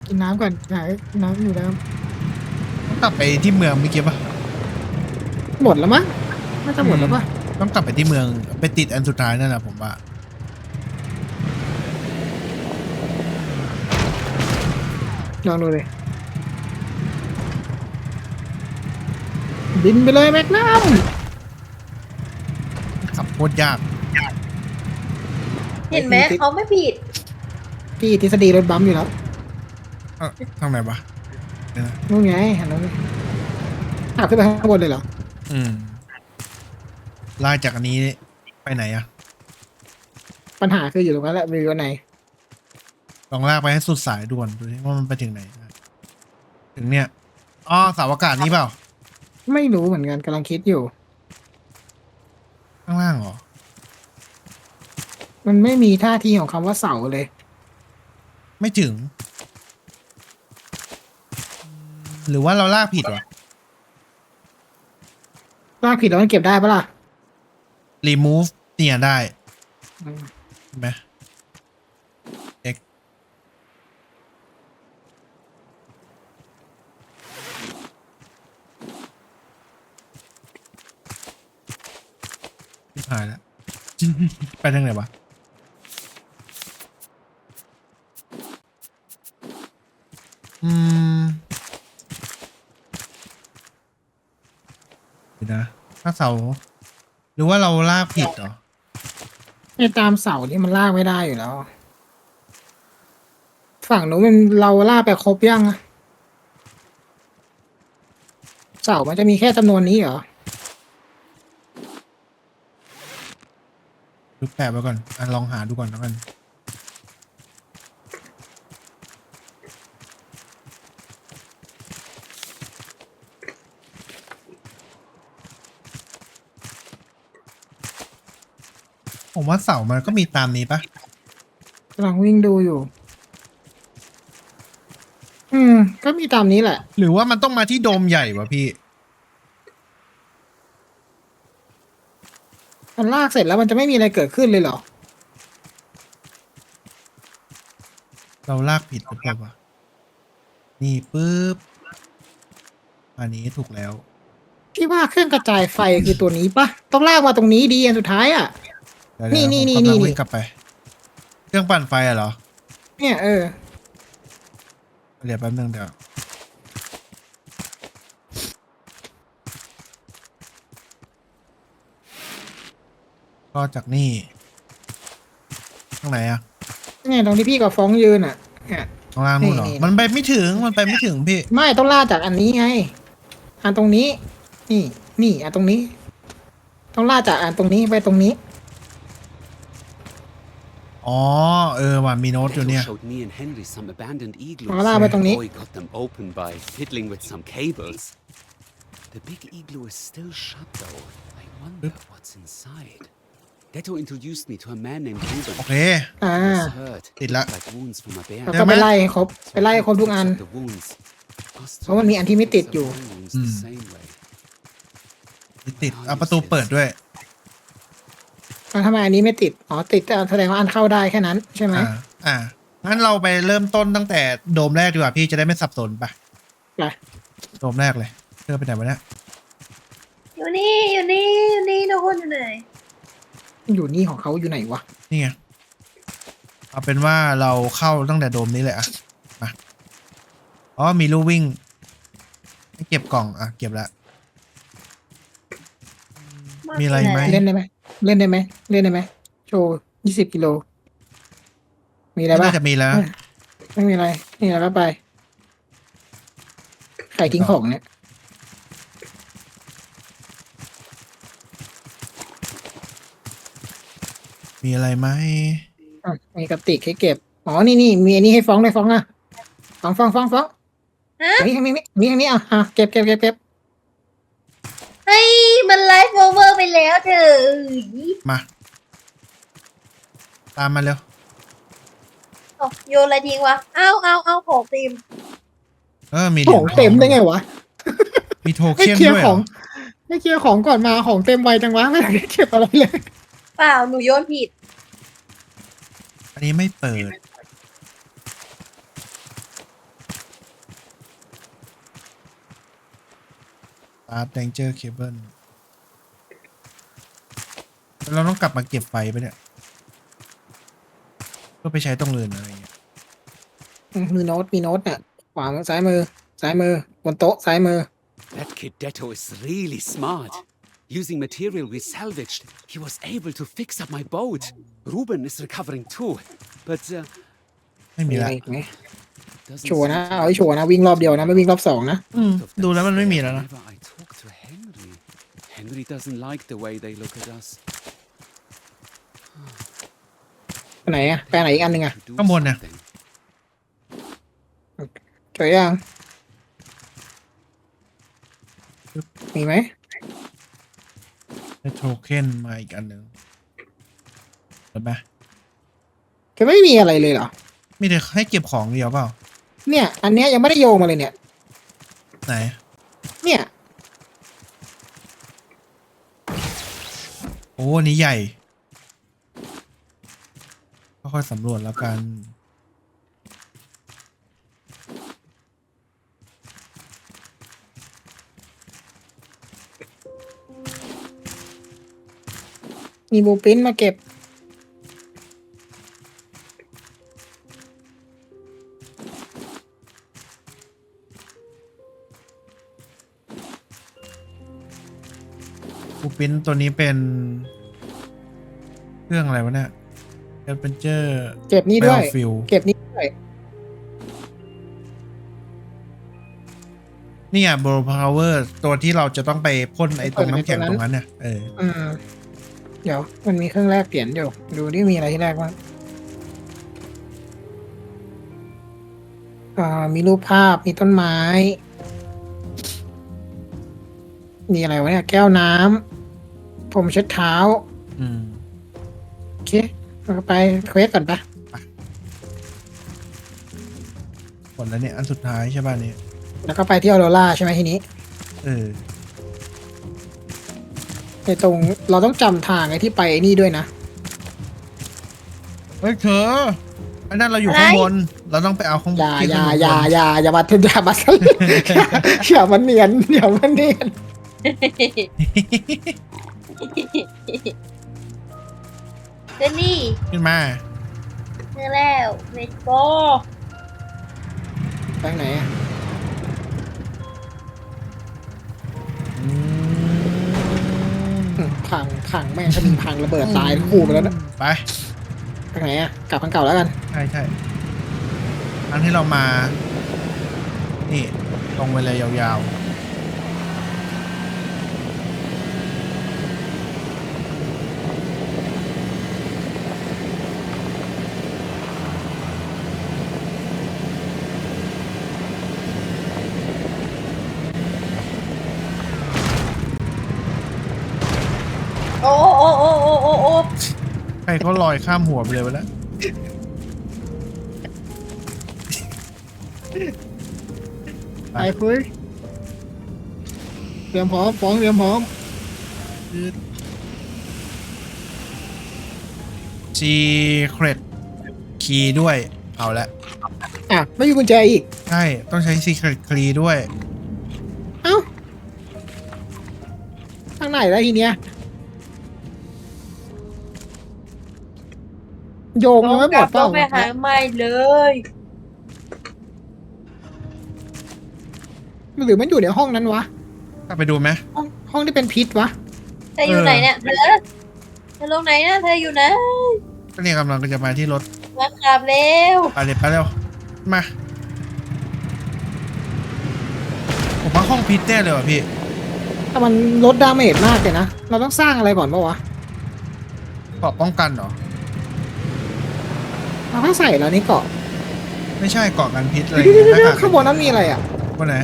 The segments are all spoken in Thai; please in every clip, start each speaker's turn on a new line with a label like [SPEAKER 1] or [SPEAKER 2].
[SPEAKER 1] กินน้ำก่อนหาน้ำอยู่น้
[SPEAKER 2] ต้องกลับไปที่เมืองเมื่อกี้ปะ
[SPEAKER 1] ำหมดแล้วมั้งน่าจะหมดแล้วปะ
[SPEAKER 2] ต้องกลับไปที่เมืองไปติดอันสุดท้ายนั่นแหละผมว่า
[SPEAKER 1] ลองดูเลยบินไปเลยแม็กนัม
[SPEAKER 2] ขับโคตรยาก
[SPEAKER 3] เห็นไหมเขาไม่ผิด
[SPEAKER 1] พี่ทฤษฎีรถบัมป์อยู่แล้ว
[SPEAKER 2] เอ้าทางไหนวะเดี๋ยวนะ
[SPEAKER 1] นู่นไงหันนู้นเลยขึ้นไปข้างบนเลยเหรอ
[SPEAKER 2] อืมลากจากอันนี้ไปไหนอะ
[SPEAKER 1] ปัญหาคืออยู่ตรงนั้นแหละวิวไหน
[SPEAKER 2] ลองลากไปให้สุดสายด่วนดูดิว่ามันไปถึงไหนนะถึงเนี่ยอ๋อเสาอากาศนี้เปล่า
[SPEAKER 1] ไม่รู้เหมือนกันกำลังคิดอยู่
[SPEAKER 2] ข้างล่างเหรอ
[SPEAKER 1] มันไม่มีท่าทีของคำว่าเสาเลย
[SPEAKER 2] ไม่ถึง หรือว่าเราลากผิดวะ
[SPEAKER 1] ลากผิดแล้วมันเก็บได้ปะล่ะ
[SPEAKER 2] remove เนี่ยได้
[SPEAKER 1] อืม
[SPEAKER 2] เห็นไหม X ที่หายแล้ว ไปทางไหนวะ อืมเดี๋ยวนะถ้าเสา หรือว่าเราลากผิดเหรอ
[SPEAKER 1] ไอ้ตามเสาที่มันลากไม่ได้อยู่แล้ว ฝั่งนู้นมันเราลากไปครบยังอะเสามันจะมีแค่จำนวนนี้เหรอ
[SPEAKER 2] ดูแปะไว้ก่อนอ่ะลองหาดูก่อนแล้วกัน ผมว่าเสามันก็มีตามนี้ปะ
[SPEAKER 1] กำลังวิ่งดูอยู่ ก็มีตามนี้แหละ
[SPEAKER 2] หรือว่ามันต้องมาที่โดมใหญ่วะพี่
[SPEAKER 1] มันลากเสร็จแล้วมันจะไม่มีอะไรเกิดขึ้นเลยเหรอ
[SPEAKER 2] เราลากผิดหรือเปล่าวะนี่ปุ๊บ อันนี้ถูกแล้ว
[SPEAKER 1] พี่ว่าเครื่องกระจายไฟคือตัวนี้ปะต้องลากมาตรงนี้ดีอันสุดท้ายอ่ะ
[SPEAKER 2] เดี๋ยว
[SPEAKER 1] นี่
[SPEAKER 2] เดี๋ยว
[SPEAKER 1] นี่
[SPEAKER 2] ผมกำลัง
[SPEAKER 1] นี่
[SPEAKER 2] วิ่งกลับไป เครื่องปั่นไฟอะเหรอ
[SPEAKER 1] เนี่ยเออ
[SPEAKER 2] เดี๋ยวแป๊บนึงเดี๋ยว ก็จากนี่ตรงไหนอะ
[SPEAKER 1] เนี่ยตรงที่พี่กับฟ้องยืนอ่ะเนี่ย
[SPEAKER 2] ตรงล่างนู่นเหรอ
[SPEAKER 1] นี่
[SPEAKER 2] มันไปไม่ถึง มันไปไม่ถึงพี่
[SPEAKER 1] ไม่ต้องลากจากอันนี้ไง อันตรงนี้ นี่นี่อันตรงนี้ ต้องลากจากอันตรงนี้ไปตรงนี้
[SPEAKER 2] อ๋อ เออว่ะมีโน้ตอยู่เนี่ย
[SPEAKER 4] showed me and Henry some abandoned igloos.
[SPEAKER 1] เอาลากไปตรงนี้
[SPEAKER 4] Boy got them open by fiddling with some cables. The big igloo is still shut though. I wonder what's inside. Detto introduced me to a man named Ruben.
[SPEAKER 2] โอเค
[SPEAKER 1] อ่า
[SPEAKER 4] He was hurt.
[SPEAKER 2] Tịt lạ.
[SPEAKER 4] Like wounds from a bear.
[SPEAKER 1] แล้วก็ไปไล่ให้ครบ ไปไล่ให้ครบทุกอัน
[SPEAKER 4] The wounds.
[SPEAKER 1] เพราะมันมีอันที่ไม่ติดอยู่
[SPEAKER 4] Wounds the same way.
[SPEAKER 2] ติดเอาประตูเปิดด้วย
[SPEAKER 1] แล้วทำไมอันนี้ไม่ติด อ๋อติดแต่แสดงว่าอันเข้าได้แค่นั้นใช่ไหม
[SPEAKER 2] งั้นเราไปเริ่มต้นตั้งแต่โดมแรกดีกว่าพี่จะได้ไม่สับสนไป
[SPEAKER 1] ไป
[SPEAKER 2] โดมแรกเลยเพื่อไปไหนวะเนี่ย
[SPEAKER 3] อยู่นี่อยู่นี่อยู่นี่ทุกคนอยู่ไหน
[SPEAKER 1] อยู่นี่ของเขาอยู่ไหนวะ
[SPEAKER 2] นี่ไง เอาเป็นว่าเราเข้าตั้งแต่โดมนี้เลยอะมาอ๋อมีลู่วิ่งให้เก็บกล่องอ่ะเก็บละ มีอะไรไหม
[SPEAKER 1] เล่นได้ไหมเล่นได้ไหมเล่นได้ไหมโชว์20 กิโล มีอะไรบ้า
[SPEAKER 2] น่าง จะมีแล้ว
[SPEAKER 1] ไม่มีอะไร นี่แล้วก็ไป ใครทิ้งของเนี่ย
[SPEAKER 2] มีอะไรไหม
[SPEAKER 1] มีกระติกให้เก็บ อ๋อ นี่นี่มีอันนี้ให้ฟ้องเลยฟ้องนะฟ้อง
[SPEAKER 3] ฮะ
[SPEAKER 1] นี่ทางนี้อ่ะเก็บ
[SPEAKER 3] เฮ้ยมันไลฟ์โอเวอร์ไปแล้วเธอ
[SPEAKER 2] มา ตามมาเร็ว
[SPEAKER 3] เอาโยนอะไรทิ้งวะเอาของเต็ม
[SPEAKER 2] มีเห
[SPEAKER 1] ข
[SPEAKER 2] รีย
[SPEAKER 1] อ
[SPEAKER 2] ญ
[SPEAKER 1] งเต็มได้ไงวะ
[SPEAKER 2] มีโท
[SPEAKER 1] ให้
[SPEAKER 2] เค็น
[SPEAKER 1] เคลียร์
[SPEAKER 2] ด้วย
[SPEAKER 1] ข
[SPEAKER 2] เหร
[SPEAKER 1] อง
[SPEAKER 2] อ
[SPEAKER 1] ให้เคลียร์ของก่อนมาของเต็มไวจังวะไม่ได้เก็บอะไรเลย
[SPEAKER 3] เปล่าหนูโยนผิด
[SPEAKER 2] อันนี้ไม่เปิด Start Danger Cable เราต้องกลับมาเก็บไฟไปเนี่ยเพื่อไปใช้ตรงอื่นอะไรอย่างเงี้ย
[SPEAKER 1] มีโน้ตเนี่ยขวามือซ้ายมือบนโต๊ะซ้ายมือ
[SPEAKER 4] That kid Detto is really smart. Using material we salvaged, he was able to fix up my boat. Ruben is recovering too, but
[SPEAKER 2] ไม่มี
[SPEAKER 1] มีอะ
[SPEAKER 2] ละ
[SPEAKER 1] ไรอีกไหม
[SPEAKER 4] doesn't
[SPEAKER 1] ชัวร์นะ
[SPEAKER 4] seem to
[SPEAKER 1] เอาให้ชัวร์นะวิ่งรอบเดียวนะไม่วิ่งรอบสองนะ
[SPEAKER 4] out of
[SPEAKER 2] ดู
[SPEAKER 4] that
[SPEAKER 2] แล้วมันไม่มี
[SPEAKER 4] stare
[SPEAKER 2] แล้วนะ
[SPEAKER 4] whenever I talk to Henry. Henry doesn't like the way they look at us.
[SPEAKER 1] ไปไหนอะไปไหนอีกอันหนึ่งอะ
[SPEAKER 4] To do
[SPEAKER 2] ข้างบนเนี่ย
[SPEAKER 4] something.
[SPEAKER 1] เจอยังมีไหม
[SPEAKER 2] ได้โทเค็นมาอีกอันหนึ่งเห็นไหม
[SPEAKER 1] จะไม่มีอะไรเลยเหรอ
[SPEAKER 2] มีแต่ให้เก็บของเดียวเปล่า
[SPEAKER 1] เนี่ย อันเนี้ยยังไม่ได้โยงมาเลยเนี่ย
[SPEAKER 2] ไหน
[SPEAKER 1] เนี่ย
[SPEAKER 2] โอ้อันนี้ใหญ่ค่อยๆสำรวจแล้วกัน
[SPEAKER 1] มีบูปินมาเก็บ
[SPEAKER 2] บูปินตัวนี้เป็น เครื่องอะไรวะเนี่ย Adventure
[SPEAKER 1] เก็บนี่ด้วย
[SPEAKER 2] Battlefield
[SPEAKER 1] เก็บนี่ด้วย
[SPEAKER 2] นี่อ่ะ Blow Power ตัวที่เราจะต้องไปพ่นไอ้ตรงน้ำแข็งตรงนั้นเนี่ยเออ
[SPEAKER 1] เดี๋ยวมันมีเครื่องแรกเปลี่ยนอยู่ดูดิมีอะไรที่แรกบ้างมีรูปภาพมีต้นไม้ มีอะไรวะเนี่ยแก้วน้ำผมเช็ดเท้า
[SPEAKER 2] อืม
[SPEAKER 1] โอเคเราก็ไปเควสก่อนปะ
[SPEAKER 2] ผลแล้วเนี่ย อันสุดท้ายใช่ป่ะเนี่ย
[SPEAKER 1] แล้วก็ไปที่ออโรราใช่ไหมทีนี้
[SPEAKER 2] เออ
[SPEAKER 1] ในตรงเราต้องจำทางไอ้ที่ไปไอ้นี่ด้วยนะ
[SPEAKER 2] เฮ้ยเธออันนั้นเราอยู่ข้างบน เราต้องไปเอาข้างบ
[SPEAKER 1] อน ย่า
[SPEAKER 2] ที่
[SPEAKER 1] อ
[SPEAKER 2] ขึ้น
[SPEAKER 1] ย่า
[SPEAKER 2] บน
[SPEAKER 1] อย่ามาอย่ามาสลิอย่ามันเนียนอย่ามันเนียน
[SPEAKER 3] เจนนี่
[SPEAKER 2] ขึ้นมา
[SPEAKER 3] เจอแล้วเลตโก
[SPEAKER 1] ไปไหนอะ พังแม่งถ้ามีพังระเบิดตายทั้งคู่ไปแล้วนะ
[SPEAKER 2] ไป
[SPEAKER 1] ไปไหนอะกลับทางเก่าแล้วกัน
[SPEAKER 2] ใช่ใช่อันที่เรามา นี่ตรงไปเลยยาวๆ
[SPEAKER 3] โอ้โอ้โอ้โอ้โอ้โอ้
[SPEAKER 2] ใครเขาลอยข้ามหัวไปเลยไปแล้ว
[SPEAKER 1] ไปคุยเตรียมพร้อมฟ้องเตรียมพร้อม
[SPEAKER 2] Secret Key ด้วย เอาละ
[SPEAKER 1] อ่ะไม่มีกุญแจอีก
[SPEAKER 2] ใช่ ต้องใช้ Secret Key ด้วย
[SPEAKER 1] เอ้าทางไหนแล้วทีเนี้ยโยงยังไม่หมดเป
[SPEAKER 3] ต้
[SPEAKER 1] ล่า
[SPEAKER 3] องไปหาใหม่เลย
[SPEAKER 1] หรือมันอยู่ในห้องนั้นวะ
[SPEAKER 2] กลับไปดูไหม
[SPEAKER 1] ห้องที่เป็นพิษวะ
[SPEAKER 3] เธออยู่ไหนเนี่ยเธอลงไหนนะเธออยู่ไหน
[SPEAKER 2] ก็เนี่ยกำลังจะมาที่รถ
[SPEAKER 3] มาขับเร็ว
[SPEAKER 2] ไปเลยไปเร็ว มา ผมว่าห้องพิษแน่เลยว่ะพี่
[SPEAKER 1] แต่มันลดดาเมจมากเลยนะ เราต้องสร้างอะไรก่อนปะวะ
[SPEAKER 2] เกราะป้องกันเหรอ
[SPEAKER 1] เราต้องใส่แล้วนี่เกาะ
[SPEAKER 2] ไม่ใช่เกราะกันพิษอะไร
[SPEAKER 1] เดี๋ยว
[SPEAKER 2] หน้กก
[SPEAKER 1] ข้างบนนั้นมีอะไรอ่ะ
[SPEAKER 2] บนไหน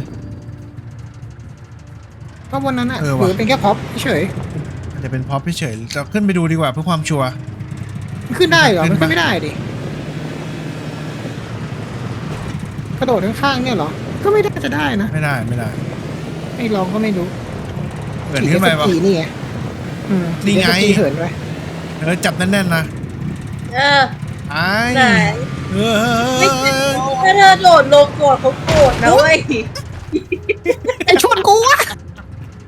[SPEAKER 1] ข้างบนนั้นอ่ะ
[SPEAKER 2] เออ
[SPEAKER 1] ห
[SPEAKER 2] ว่ะ
[SPEAKER 1] รือเป็นแค่พ็อปเฉย
[SPEAKER 2] อาจจะเป็นพ็อปเฉยๆเราขึ้นไปดูดีกว่าเพื่อความชัวร์
[SPEAKER 1] มันขึ้นได้เหรอ
[SPEAKER 2] ขึ้
[SPEAKER 1] มัน
[SPEAKER 2] นปะ
[SPEAKER 1] ขึ้นไม่ได้ดิ กระโดดข้างๆเนี่ยเหรอ ก็ไม่ได้จะได้นะ
[SPEAKER 2] ไม่ได้ไม่ได้
[SPEAKER 1] ไม่ลองก็ไม่รู้
[SPEAKER 2] เกิดขึ้นไปปะ
[SPEAKER 1] ขี่นี่ไงขี่
[SPEAKER 2] นี่ไง
[SPEAKER 1] ขี่เหินไป
[SPEAKER 2] จับแน่นๆนะ
[SPEAKER 3] เออ
[SPEAKER 2] ไอ้
[SPEAKER 3] ไหน
[SPEAKER 2] เออ
[SPEAKER 3] ไม่ถึงถ้าเธอโดดลงก่อนเขาโกรธนะเว้ย
[SPEAKER 1] ไอชวนกูวะ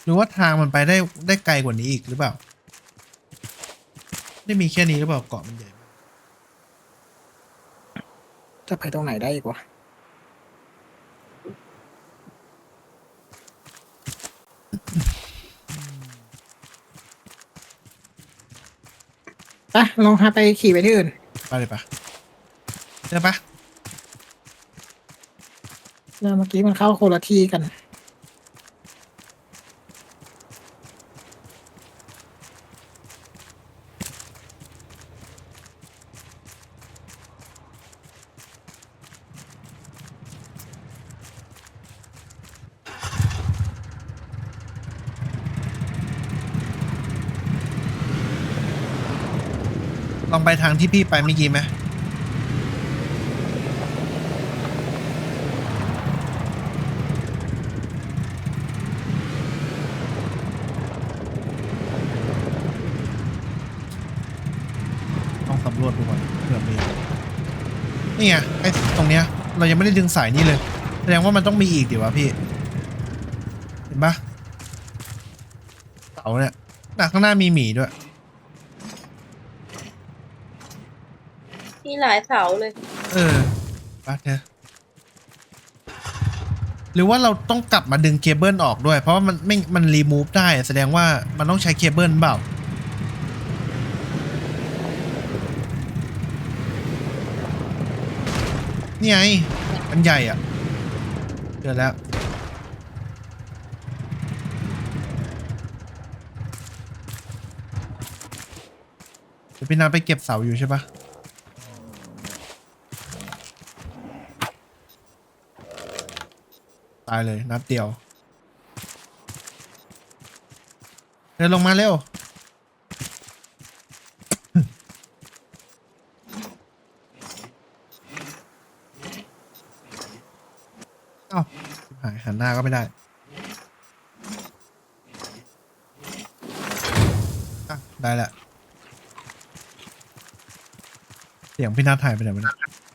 [SPEAKER 2] หรือว่าทางมันไปได้ไกลกว่านี้อีกหรือเปล่าไม่มีแค่นี้หรือเปล่าเกาะมันใหญ่มาก
[SPEAKER 1] จะไปตรงไหนได้อีกวะไปลองหาไปขี่ไปที่อื่น
[SPEAKER 2] ไปเลยปะเจอปะ
[SPEAKER 1] แล้วเมื่อกี้มันเข้าคนละที่กัน
[SPEAKER 2] ลองไปทางที่พี่ไปเมื่อกี้ไหมต้องสำรวจดูก่อนเผื่อมีนี่ไงไอ้ตรงเนี้ยเรายังไม่ได้ดึงสายนี่เลยแสดงว่ามันต้องมีอีกดิวะพี่เห็นปะเสาเนี่ยข้างหน้ามีหมีด้วย
[SPEAKER 3] มีหลายเสาเลย
[SPEAKER 2] เออปะเธอหรือว่าเราต้องกลับมาดึงเคเบิลออกด้วยเพราะว่ามันรีมูฟได้แสดงว่ามันต้องใช้เคเบิลเปล่านี่ไงมันใหญ่อ่ะเจอแล้วเดี๋ยวพี่นาไปเก็บเสาอยู่ใช่ปะตายเลยนัดเดียวเดินลงมาเร็ว เอ้าหายหันหน้าก็ไม่ได้อ่ะได้ละเสียงพี่นัทถ่ายไปไหนวะเนี่ย